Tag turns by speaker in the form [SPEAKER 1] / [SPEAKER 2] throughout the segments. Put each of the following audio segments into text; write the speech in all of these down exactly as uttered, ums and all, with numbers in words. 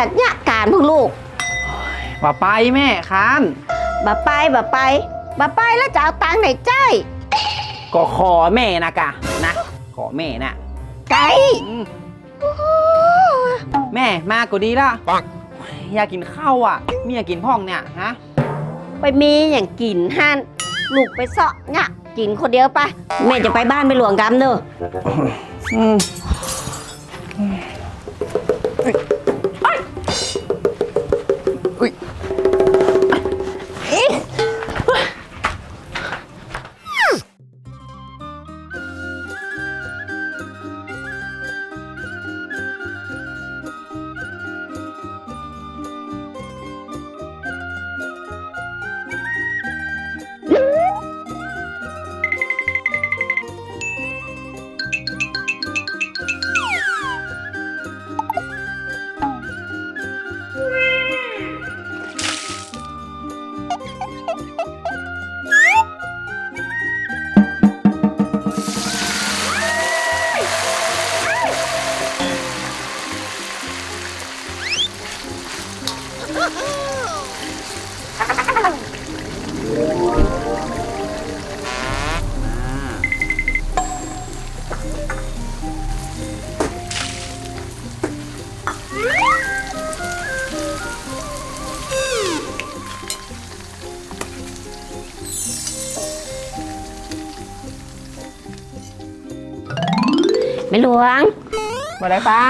[SPEAKER 1] จัดยะการพวกลูก
[SPEAKER 2] บ่ไปแม่ค้าน
[SPEAKER 1] บ่ไปบ่ไปบ่ไปแล้วจะเอาตังค์ไหนใจ
[SPEAKER 2] ก็ขอแม่นะกะนะขอแม่น่ะ
[SPEAKER 1] ไก่
[SPEAKER 2] แม่มาก็ดีละอยากกินข้าวอ่ะมีอยากกินพ่องเนี่ยฮะ
[SPEAKER 1] ไปมีอย่างกินฮันลูกไปเสาะเนี่ยกินคนเดียวไปแม่จะไปบ้านไปหลวงกำเนอะไม่หลวง
[SPEAKER 2] มาได้ป้า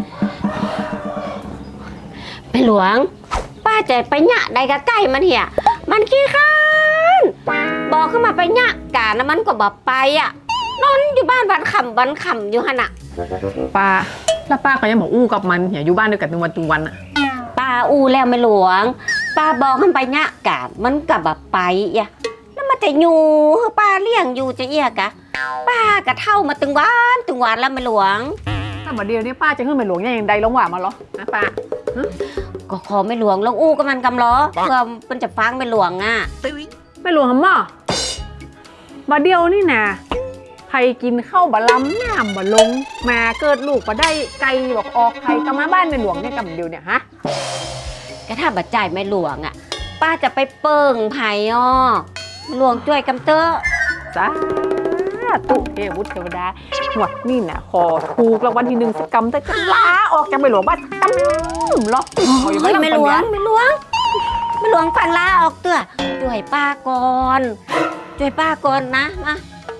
[SPEAKER 1] ไม่หลวงป้าจะไปหยะใดกับไก่มันเหี้ยมันขี้ข้านบอกขึ้นมาไปหยะกานะมันก็บอกไปอ่ะนอนอยู่บ้านวันขำวันขำอยู่ขนาด
[SPEAKER 3] ป้าแล้วป้าก็ยังบอกอู้กับมันอย่าอยู่บ้านด้วยกันทุกวันทุกวันอ่ะ
[SPEAKER 1] ป้าอู้แล้วไม่หลวงป้าบอกขึ้นไปหยะกามันก็บอกไปอ่ะแล้วมันจะอยู่ป้าเลี้ยงอยู่จะเอียกะป้ากะเท่ามาตึงวันตึงวันแล้วไม่หลวง
[SPEAKER 3] ถ้ามาเดียวนี้ป้าจะขึ้นไปหลวงยังใดลงหว่ามาหรอนะป้า
[SPEAKER 1] ก็ขอไม่หลวงลงอู้กับมันกำล้อเพื่อมันจะฟังไม่หลวงอ่ะ
[SPEAKER 3] ไม่หลวงหำม่อมาเดียวนี่นะใครกินข้าวบะล้ำน้ำบะลงมาเกิดลูกมาได้ไกลบอกออกใครก็มาบ้านในหลวงเนี่ยกับเดียวเนี่ยฮะ
[SPEAKER 1] ก็ถ้าบัดใจไม่หลวงอ่ะป้าจะไปเปิ่งไผ่อ้อหลวงช่วยกำเตอ
[SPEAKER 3] จ้าตุเทวุฒิเทวดาหัวนี่นะขอถูกรางวัลที่หนึ่งสักกำแต่ก็ลาออกจากไปหลวงบ้านกำล็อก
[SPEAKER 1] ไม่ไม่หลวงไม่หลวงไม่หลวงฟังลาออกเตื้อช่วยป้าก่อนช่วยป้าก่อนนะมา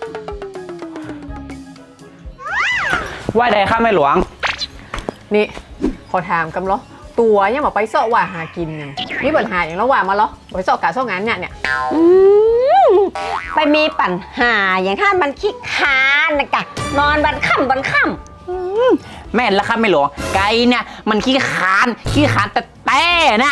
[SPEAKER 2] ว่าใดข้าไม่หลวง
[SPEAKER 3] นี่ขอถามกำล้อตัวยังบอกไปเสาะว่าหากินยังนี่ปัญหาอย่างระหว่างมาล้อไปเสาะกาเสาะงานเนี่ยเนี่ย
[SPEAKER 1] ไปมีปัญหาอย่างถ้ามันขี้ค้านนะกะนอนวันค่ำวันค่
[SPEAKER 2] ำแม่นแล้วครับไม่หลวงไก่เนี่ยมันขี้คานขี้คานแต่แต่นะ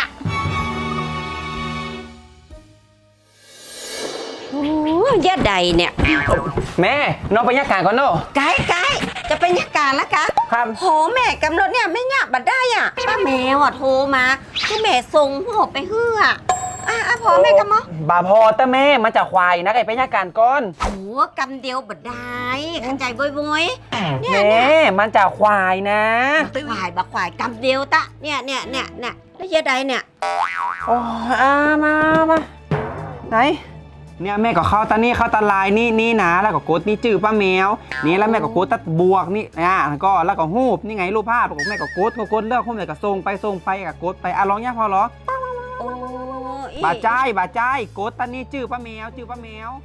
[SPEAKER 1] โอ้ยยะใดเนี่ย
[SPEAKER 2] แม่น้องไปยักการก่อนเนาะ
[SPEAKER 1] ไก่ไก่จะเป็นยักการแล้วกะ
[SPEAKER 2] ครับ
[SPEAKER 1] โหแม่กำหนดเนี่ยไม่ยากบัดได้อ่ะป้าแมวอ่ะโทรมาคือแม่ส่งหัวไปเฮืออ่ะอ่ะพอแม่กำมั้ง
[SPEAKER 2] บาพอแต่แม่มาจากควายนะไอ้ไปยักการก่อน
[SPEAKER 1] โอ้กำเดียวบัดได้ขันใจบ่อยๆ
[SPEAKER 2] เนี่ยแม่มันจากควายนะ
[SPEAKER 1] ควายบักควายกำเดียวตะเนี่ยเนี่ยเนี่ยเนี่ยแล้วยะใดเนี่ย
[SPEAKER 2] โอ้อามามาไหนเนี่ยแม่ก็เข้าตานี่เข้าตาลายนี่นี่นะแล้วก็กดนี่จื้อป้าแมวนี่แล้วแม่ก็กดตัดบวกนี่อ่ะก็แล้วก็หูบนี่ไงรูปภาพของแม่ก็กดก็กดเลือกหูบเลยก็ส่งไปส่งไปก็กดไปอ่ะร้องยากพอหรอบาใจบาใจกดตานี่จื้อป้าแมวจื้อป้าแมว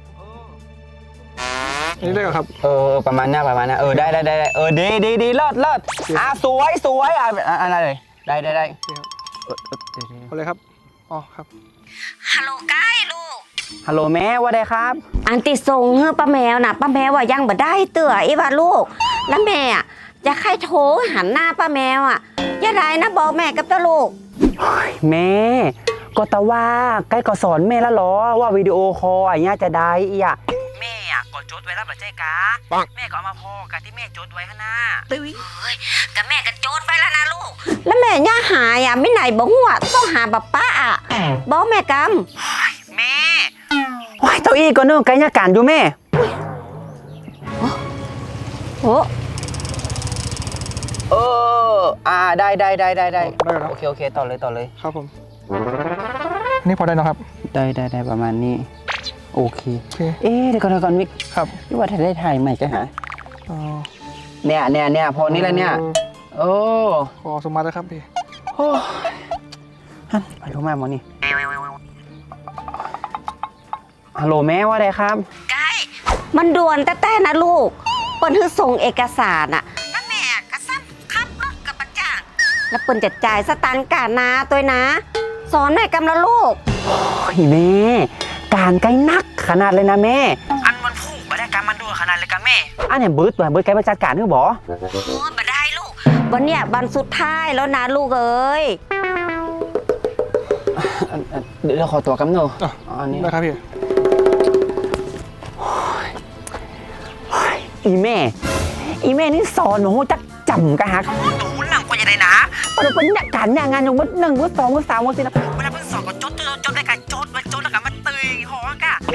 [SPEAKER 4] นี่ได้เหรอครับ
[SPEAKER 2] เออประมาณนี้ประมาณนี้เออได้ได้ได้เออดีดีดีเลิศเลิศอ่ะสวยสวยอ่ะอะไรเลยได้ได้ได้
[SPEAKER 4] เอาเลยครับอ๋อครับ
[SPEAKER 1] ฮัลโหลไก่ลูก
[SPEAKER 2] ฮัลโหลแม่ว่าได้ครับ
[SPEAKER 1] อันติส่งเฮ้ป้าแมวน่ะป้าแมวว่ายังบ่ได้เตื่อไอ้ว่าลูกแล้วแม่อ่ะจะใครโทรหันหน้าป้าแมวอ่ะอย่าได้นะบอกแม่กับตัวลูก
[SPEAKER 2] แม่ก็ตะว่าใกล้ก็สอนแม่แล้วหรอว่าวิดีโอคอลอย่างเงี้ยจะได้อีอ่ะแม่อ่ะก็จดไว้แล้วแบบเจ๊กาแม่ก็เอามาพอกับที่แม่จดไว้ข้างหน้า
[SPEAKER 1] ตุ้ยเฮ้ยกับแม่ก็จดไว้แล้วนะลูกแล้วแม่ย่าหายอ่ะไม่ไหนบอกหัวต้องหาป้าป้าอ่ะบอกแม่กำ
[SPEAKER 2] แม่ว้ายเจ้าอี้ก็เนื่องไกลยาการอยู่แม่
[SPEAKER 1] โอ้
[SPEAKER 2] เอออ่าได้ได้ได้ได้ได้
[SPEAKER 4] ได้แล้ว
[SPEAKER 2] โอเคโอเคต่อเลยต่อเลย
[SPEAKER 4] ครับผม นี่พอได้นะครับ
[SPEAKER 2] ได้ได้ได้ประมาณนี้โอเค
[SPEAKER 4] โอเค
[SPEAKER 2] เอ๊ะเดี๋ยวก่อนเดี๋ยวก่อนมิก
[SPEAKER 4] ครับ
[SPEAKER 2] พี่ว่าถ้าได้ถ่ายใหม่จะหา
[SPEAKER 4] อ๋อ
[SPEAKER 2] เนี่ยเนี่ยเนี่ยพอนี้แล้วเนี่ยโอ้
[SPEAKER 4] พอสมมาแล้วครับพี่
[SPEAKER 2] โอ้ฮันไปรู้มาหมอนี่ฮัลโหลแม่ว่าไงครับ
[SPEAKER 1] ไกด์มันด่วนแต่แต่นะลูกเปิ้นคือส่งเอกสารอะแล้วแม่ก็ซ้ำขับรถกับประจ้างแล้วเปิ้นจะจ่ายสตางค์กานาตัวนะ สอนหน่อยกำละลูก
[SPEAKER 2] โอ้ยแม่การไกลนักขนาดเลยนะแม่อันมันพุ่งมาได้การมันด่วนขนาดเลยกันแม่อันเนี่ยเบิร์ดตัวเบิร์ดไกลมาจัดการนึกบอ
[SPEAKER 1] โอ้ยมาได้ลูก วันเนี้ยวันสุดท้ายแล้วนะลูกเอ้ย
[SPEAKER 2] เดี๋ยวเราขอตัวกำเนิด
[SPEAKER 4] อ่ะ
[SPEAKER 2] อันนี้
[SPEAKER 4] ได้ครับพี่
[SPEAKER 2] อีแม่ อีแม่นี่สอนหนูจักจำกันฮะหนูหลังกว่าจะได้นะพอเราเป็นเนี่ยการเนี่ยงานอย่างวันหนึ่งวันสองวันสามวันสี่นะเวลาเป็นสอนก็จดจดจดได้กันจดมาจดแล้วกันมาตื่นหอกะ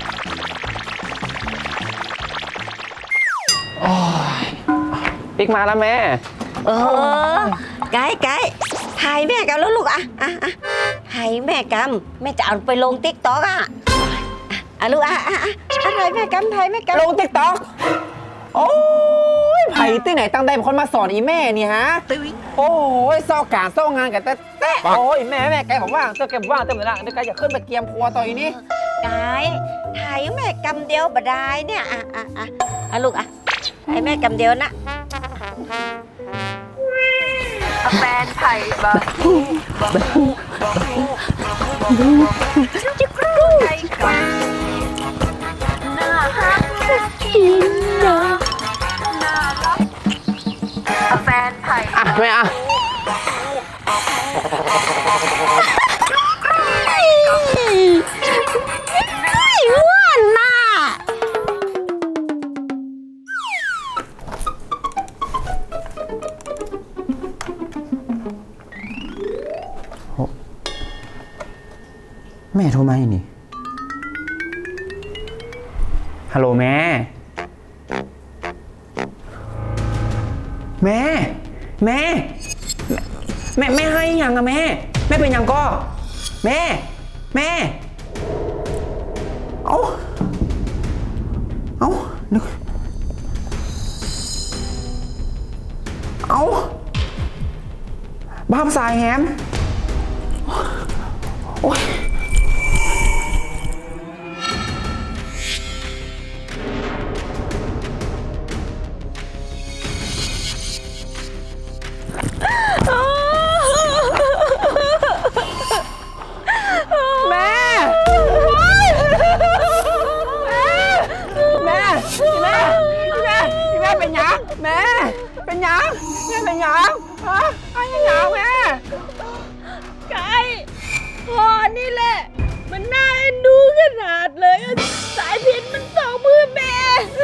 [SPEAKER 2] โอ้ยปิ๊กมาแล้วแม่
[SPEAKER 1] เออไกด์ไกด์ถ่ายแม่กันแล้วลูกอะอะอะถ่ายแม่กำแม่จะเอาไปลงติ๊กต็อกอะอะลูกอะอะอะถ่ายแม่กำถ่ายแม่กำ
[SPEAKER 2] ลงติ๊กต็อกโอ้ยไผ่ที่ไหนตั้งใจเป็นคนมาสอนอีแม่นี่ฮะโอ้ยซอกการซอกงานกันแต่แต่โอ้ยแม่แม่แกผมว่างเจ้าแกผมว่างเต็มเลยนะเดี๋ยวแกจะขึ้นไปเกียมครัวต่ออีนี่
[SPEAKER 1] ไกด์ถ่ายแม่กำเดียวบ่ได้เนี่ยอะอะอะอะลูกอะถ่ายแม่กำเดียวนะ
[SPEAKER 3] แฟนไผ่บะ
[SPEAKER 1] จิกรูไก่กับน่าฮักน่ากินเนาะน่ารักแฟนไผ่
[SPEAKER 2] อ่ะแม่อ่ะ
[SPEAKER 1] อ้วนน่ะ
[SPEAKER 2] แม่โทรมาอีนี่ฮัลโหลแม่ แม่ แม่ แม่แม่ให้ยังอะแม่ แม่เป็นยังก็ แม่ แม่ เอ้า เอ้านึกเอ้าบ้าสายแฮมโอ๊ยแม่ แม่ แม่ แม่ แม่เป็นยังแม่ เป็นยังแม่เป็นยังฮะอะไรยังแม่
[SPEAKER 3] ไก่พ่อนี่แหละ มันน่าเอ็นดูขนาดเลยอะสายพินมันสองมือแม่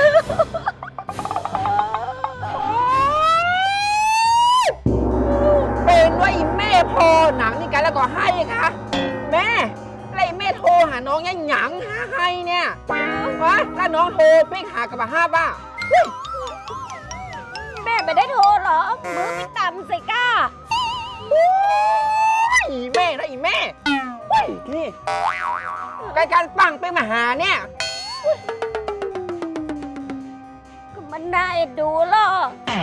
[SPEAKER 2] เป็นว่าอีแม่พอหนังนี่กันแล้วก็ให้ค่ะแม่อะไรแม่โทรหาน้องยังหยังหาให้เนี่ยวะแล้วน้องโทรปิ๊กหากับห้าบ้า
[SPEAKER 1] แม่ไม่ได้โทรหรอ มือไม่ต่ำสิก้า
[SPEAKER 2] อีแม่นะอีแม่เฮ้ยนี่การการปังไปมาหาเนี่ย
[SPEAKER 1] ก็มันน่าเอ็นดูหรอ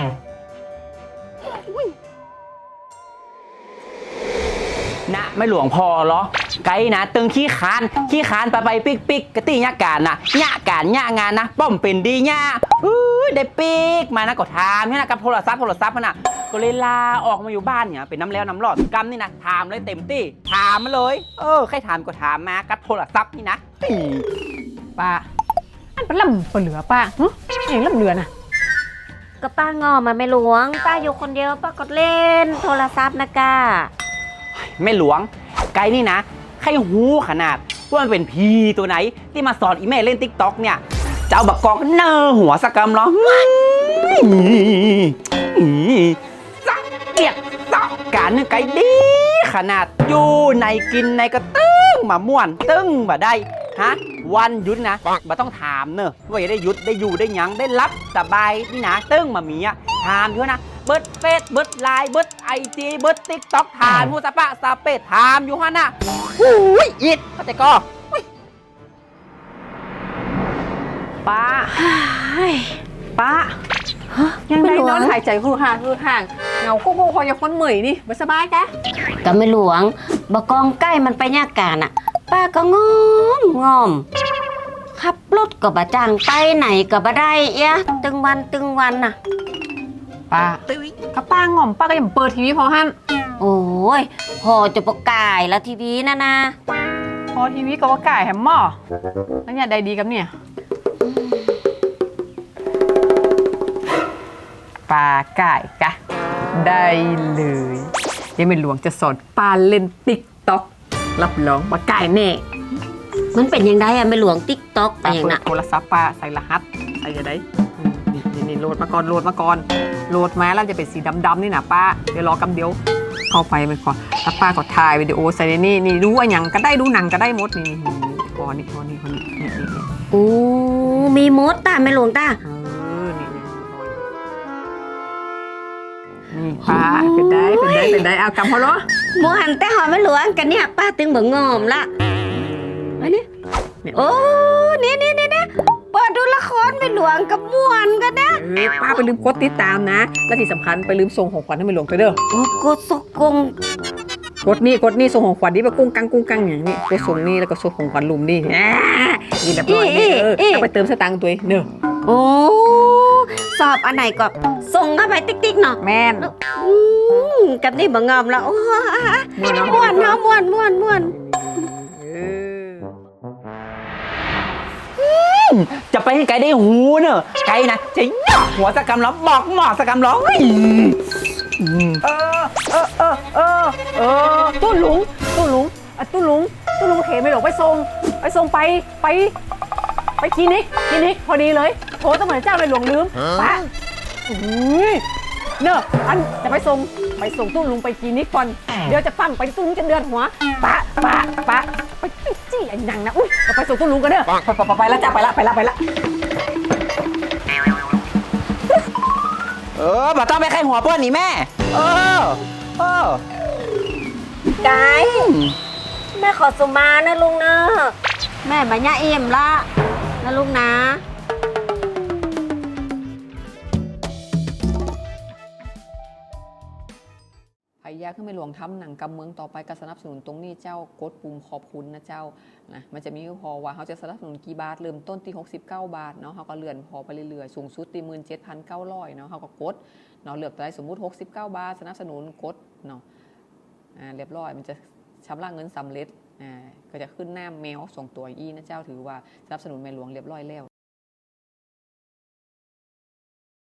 [SPEAKER 2] นะไม่หลวงพอเหรอไกด์นะตึงขี้คานขี้คานไปไปปิ๊กปิ๊กกะตี้ยาการนะยาการยางานนะป้อมเป็นดีย่าอู้ได้ปิ๊กมานะก็ถามนี่นะกับโทรศัพท์โทรศัพท์นะก็เลยลาออกมาอยู่บ้านเนี่ยเป็นน้ำแล้วน้ำรอดกำนี่นะถามเลยเต็มที่ถามมาเลยเออใครถามก็ถามมากับโทรศัพท์นี่นะ
[SPEAKER 3] ป้า อันเป็นลำเหลือป้าหึเองลำเหลือน่ะ
[SPEAKER 1] ก็ป้างอมาไม่หลวง ป้าอยู่คนเดียวป้าก็เล่นโทรศัพท์นะก้า
[SPEAKER 2] แม่หลวงไกด์นี่นะใครหูขนาดว่ามันเป็นพีตัวไหนที่มาสอนอีแม่เล่นติ๊กต็อกเนี่ยจะเอาบักกอกเนอหัวสกกำเหรอสักเกียดสักการนึกไกด์ดีขนาดอยู่ในกินในก็ตึ้งมาม่วนตึ้งมาได้ฮะวันหยุดนะมาต้องถามเนอะว่าจะได้หยุดได้อยู่ได้หยังได้รับสบายนี่นะตึ้งมามีอ่ะถามอยู่นะเบิร์ดเฟซเบิร์ดไลน์เบิร์ดไอจีเบิร์ดติ๊กต็อกถามผู้สะปะสะเปดถามอยู่ฮะน่ะหูยอิดเข้าใจก็
[SPEAKER 3] ป้าป้ายังได้นอนหายใจคือห่างคือห่างเงาโก้โก้คอยาคนเหมยนี่ไม่สบายแก
[SPEAKER 1] ก็ไม่หลวงบกองใกล้มันไปยากการอ่ะ ป้าก็งอมงอมขับรถก็บ่จ้างไปไหนก็บ่ได้เอะตึงวันตึงวันน่ะ
[SPEAKER 3] ป้าก็ป้างอมป้าก็ยังเปิดทีวีพอฮั่น
[SPEAKER 1] โอ้ยพอจะประกายแล้วทีวีนะนะ
[SPEAKER 3] พอทีวีก็ว่าก่ายแฮมหม้อแล้วเนี่ยได้ดีกับเนี่ยป้าก่ายกะได้เลยยังไม่หลวงจะสอนป้าเล่นติ๊กต็อกรับรองว่าก่ายแน่
[SPEAKER 1] มันเป็นยังไงอะไม่หลวงติ๊กต็อกไป
[SPEAKER 3] ป้า
[SPEAKER 1] อย่าง
[SPEAKER 3] เปิ
[SPEAKER 1] น่ะ
[SPEAKER 3] ดโทรศัพท์ป้าใส่รหัสใส่ยังไงนี่นี่นี่โหลดมาก่อนโหลดมาก่อนโหลดมาแล้วจะเป็นสีดำๆนี่นะป้าเดี๋ยวรอกำเดียวเข้าไปไปก่อนถ้าป้าก็ถ่ายวิดีโอใส่ในนี่นี่ดูว่าอย่างก็ได้ดูหนังก็ได้หมดนี่นี่พอนี่พอนี่พอนี่นี่นี่นี่
[SPEAKER 1] โอ้มีมดตาไม่หลวงตา
[SPEAKER 3] เออนี่นี่นี่ป้าเป็นได้เป็นได้เป็นได้เอากำพอเนาะ
[SPEAKER 1] หมูหันแต่หอไม่หลวงกันเนี่ยป้าตึงเบิ่งงอมละอันนี้โอ้นี่นี่นี่นี่เปิดดูละครไม่หลวงกับม่วนกันนะ
[SPEAKER 3] เออป้าไปลืมกดติดตามนะและที่สำคัญไปลืมส่งของขวัญให้ไม่หลวงตัวเด้อ
[SPEAKER 1] โอ้กดสกง
[SPEAKER 3] กดนี่กดนี่ส่งของขวัญนี่ไปกุ้งกังกุ้งกังอย่างนี้กดส่งนี่แล้วก็ส่งของขวัญลุมนี่อ่านี่เรียบร้อยนี่เออเอาไปเติมสตางค์ตัวเองเนอะ
[SPEAKER 1] โอ้สอบอันไหนก็ส่งเข้าไปติ๊กๆเนาะ
[SPEAKER 3] แม่น
[SPEAKER 1] อืมกับนี่บ่งอมแล้วโอ้
[SPEAKER 3] ม่วนเนาะ
[SPEAKER 1] ม่วนเนาะม่วนม่วนม่วน
[SPEAKER 3] เออ
[SPEAKER 2] จะไปให้ไกลได้หูเนอะไกลนะจะหยอกหัวสะกำล้อบอกหมอสะกำล้อเฮ้ย
[SPEAKER 3] เออเออเออเออเออตู้หลุงตู้หลุงอ่ะตู้หลุงตู้หลุงเขไม่หลงไปส่งไปส่งไปไปไปคลินิกคลินิกพอดีเลยโทรตั้งเหมือนเจ้าในหลวงลืมป้าอุ้ยเนอะอันจะไปส่งไปส่งตู้ลุงไปคลินิกก่อนเดี๋ยวจะปั้มไปตู้ลุงจะเดือนหัวป้าป้าป้าไปจี้ไอ้นังนะอุ้ยไปส่งตู้ลุงกันเด้อไปไปไปแล้วจ้าไปละไปละไปละ
[SPEAKER 2] เออบ่ต้องไปใครหัวเพื่อนนี่แม่ เออ เออ
[SPEAKER 1] ไกแม่ขอสุมานะลุงเนอะแม่บัญญาเอี่ยมละนะลุงนะ
[SPEAKER 3] พยาขึ้นไปหลวงทำหนังกำเมืองต่อไปก็สนับสนุนตรงนี้เจ้ากดปุ่มขอบคุณนะเจ้านะมันจะมีพอว่าเขาจะสนับสนุนกี่บาทเริ่มต้นที่หกสิบเก้าบาทเนาะเขาก็เลื่อนพอไปเรื่อยๆสูงสุดที่หมื่นเจ็ดพันเก้าร้อยเนาะเขาก็กดเนาะเลือกได้สมมุติหกสิบเก้าบาทสนับสนุนกดเนาะอ่าเรียบร้อยมันจะชำระเงินสำเร็จอ่าก็จะขึ้นหน้าแมวส่งตัวอีนะเจ้าถือว่าสนับสนุนแม่หลวงเรียบร้อยแล้ว